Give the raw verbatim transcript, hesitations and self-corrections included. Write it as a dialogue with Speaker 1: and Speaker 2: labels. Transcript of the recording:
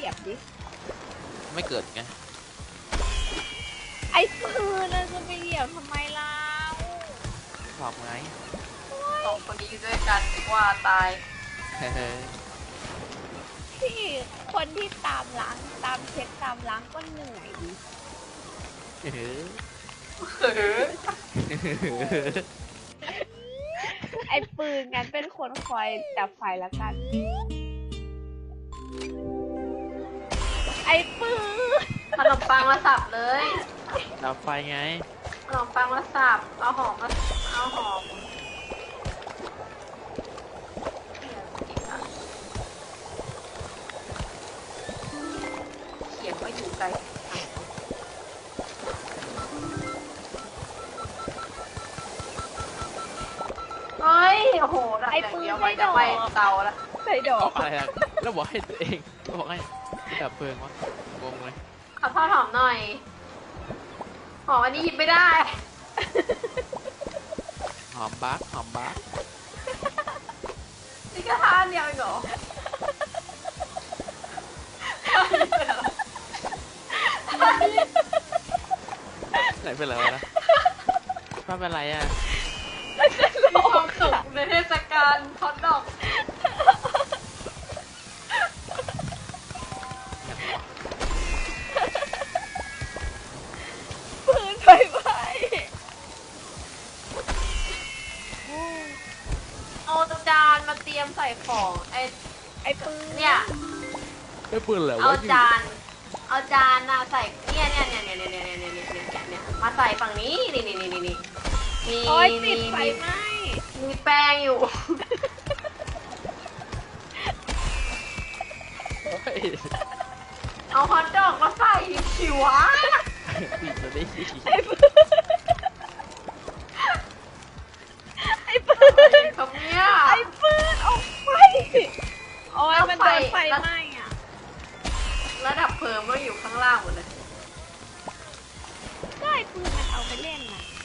Speaker 1: ยียบดิ
Speaker 2: ไม่เกิดไง
Speaker 1: ไอ้ปืนน่ะจะไปเหยียบทำไมล่ะ
Speaker 2: บอกไง
Speaker 3: สองคนนี้อยู่ด้วยกันว่าตาย
Speaker 1: ที่คนที่ตามล้างตามเช็คตามล้างก็เหนื่อยดิไอ้ปืนงั้นเป็นคนคอยดับไฟแล้วกันไอ้ปืน
Speaker 3: ขนมปังมาสับเลย
Speaker 2: ดับไฟไง
Speaker 3: ขนมปังมาสับเอาหอมมาเอาหอมเขียนว่าอยู่ไกลเฮ้ยโอ้โหไอ้ปืนไม่จะไปเตาแล้ว
Speaker 1: ใส่ดอก
Speaker 2: อะไรล่ะแล้วบอกให้ตัวเองบอกให้ดับเพลิงวะงงเลย
Speaker 3: ขอทอดหอมหน่อยหอมอันนี้หยิบไม่ได้
Speaker 2: หอมบักหอมบัก
Speaker 3: นี่ก็ทานเดียวเองเหรอ
Speaker 2: ไหนเป็นอะไรนะป้าเป็นไรอ่ะ
Speaker 3: มีความสุขในเทศกาลฮอตดอก
Speaker 1: ปืนไฟไหม้
Speaker 3: เอาจานมาเตรียมใส่ของไอ้
Speaker 1: ไอ้ปืน
Speaker 3: เนี่ย
Speaker 2: ไอ้ปืนเหรอ
Speaker 3: เอาจานเอาจานน่ะใส่เนี่ยเนี่ยเนี่ยเนี่ยเนี่ยเนี่ยเนี่ยเนี่ยเนี่ยมาใส่ฝั่งนี้นี่นี่นี่นี่นี่มี
Speaker 1: มีไฟไหม้
Speaker 3: มีแป้งอยู่เอาฮอทดอกมาใส่ขิวะ
Speaker 2: ปิดจะได้
Speaker 1: ไอ้ปืนไอ้ปืน
Speaker 3: ครับเนี่ย
Speaker 1: ไอ้ปืนออกไปโอ้ยมันโดนไฟไหม้อ่ะ
Speaker 3: ระดับเพลิงก็อยู่ข้างล่างหมดเลย
Speaker 1: ก็ไอ้ปืนมันเอาไปเล่นน่ะ